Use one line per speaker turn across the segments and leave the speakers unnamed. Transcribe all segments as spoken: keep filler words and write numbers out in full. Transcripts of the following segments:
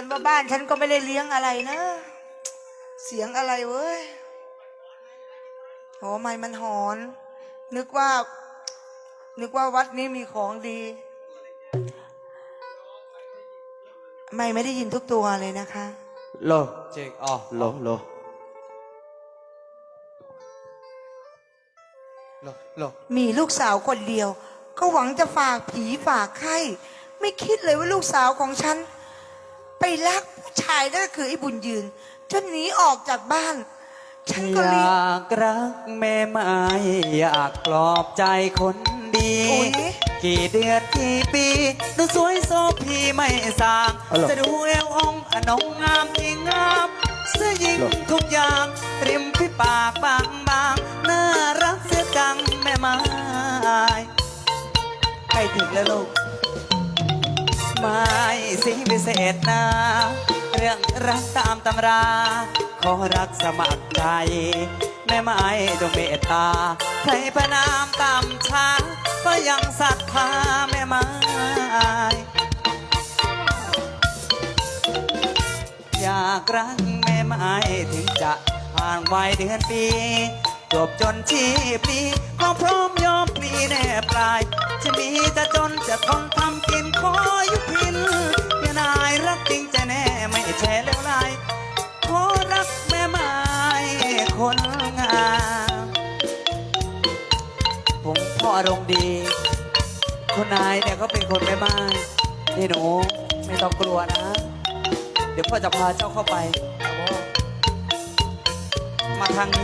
นว่าบ้านฉันก็ไม่ได้เลี้ยงอะไรนะเสียงอะไรเว้ยโอ้ไม่มันหอนนึกว่านึกว่าวัดนี้มีของดีไม่ไม่ได้ยินทุกตัวเลยนะคะ
โลเจกอ๋อโลโลโลโล
มีลูกสาวคนเดียวก็หวังจะฝากผีฝากไข้ไม่คิดเลยว่าลูกสาวของฉันไปรักผู้ชายนั่นก็คือไอ้บุญยืนจนหนีออกจากบ้านฉันก็
อ
เลย
ยากรักแม่ไม้อยากปลอบใจคนดี
อุ๊ย
กี่เดือนกี่ปีดูสวยโซพีไม่สาง
อ๋อเหรอ
จะดูเอวองค์อนงงามที่งามเสื้อยิง
เหรอ
ทุกอย่างริมพี่ปากบางบางน่ารักเสียจังแม่ไม้ใกล้ถึงแล้วลูกไม่สิ่งพิเศษนะเรื่องรักตามตำรา ขอรักสมัครใจแม่ไม้จงเมตตาใครประนามตามช้าก็ยังศรัทธาแม่ไม้อยากรักแม่ไม้ถึงจะผ่านวัยเดือนปีจบจนชีพนี้ก็พร้อมยอมปลีแน่ปลายจะมีจะจนจะทนทำกินขอยุพินอย่านายรักจริงใจแน่ไม่แช่เลวไหลขอรักแม่ไม้คนงามผมพ่ออารมณ์ดีคุณนายเนี่ยเขาเป็นคนแม่ไม้นี่หนูไม่ต้องกลัวนะ เดี๋ยวพ่อจะพาเจ้าเข้าไปมาทางนี้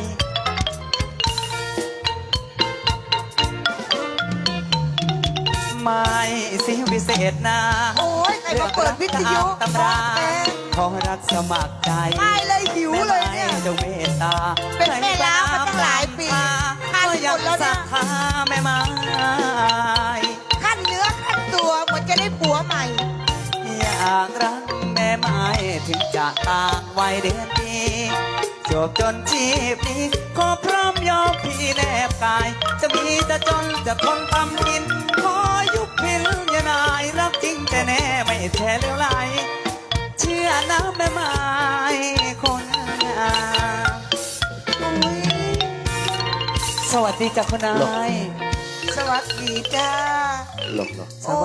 ไม่สิวิเศษนะ
โอ้ยใครมาเปิดวิทยุ
ตำรา
แก
ขอรักสมัครใจ
ไม่เลยหิวเลยเนี่ย
แม่ไม้จงเมตตา
เป็นแม่ล้าวมาตั้งหลายปี
ก็ยังศรัทธาแม่ไม้
ขั้นเนื้อขั้นตัวเหมือนจะได้ผัวใหม่
อยากรักแม่ไม้ถึงจะต่างวัยเดือนปีจบจนชีพนี้ขอพร้อมยอมพี่แนบกาย จะมีจะจนจะทนทำกิน ขอยุบพินอย่านายรักจริงแต่แน่ไม่แท้เลวไหลเชื่อนะแม่ไม้คนงามสวัสดีจ้ะคุณนาย
สวัสดีจ้า
หลบหลบ
โอ้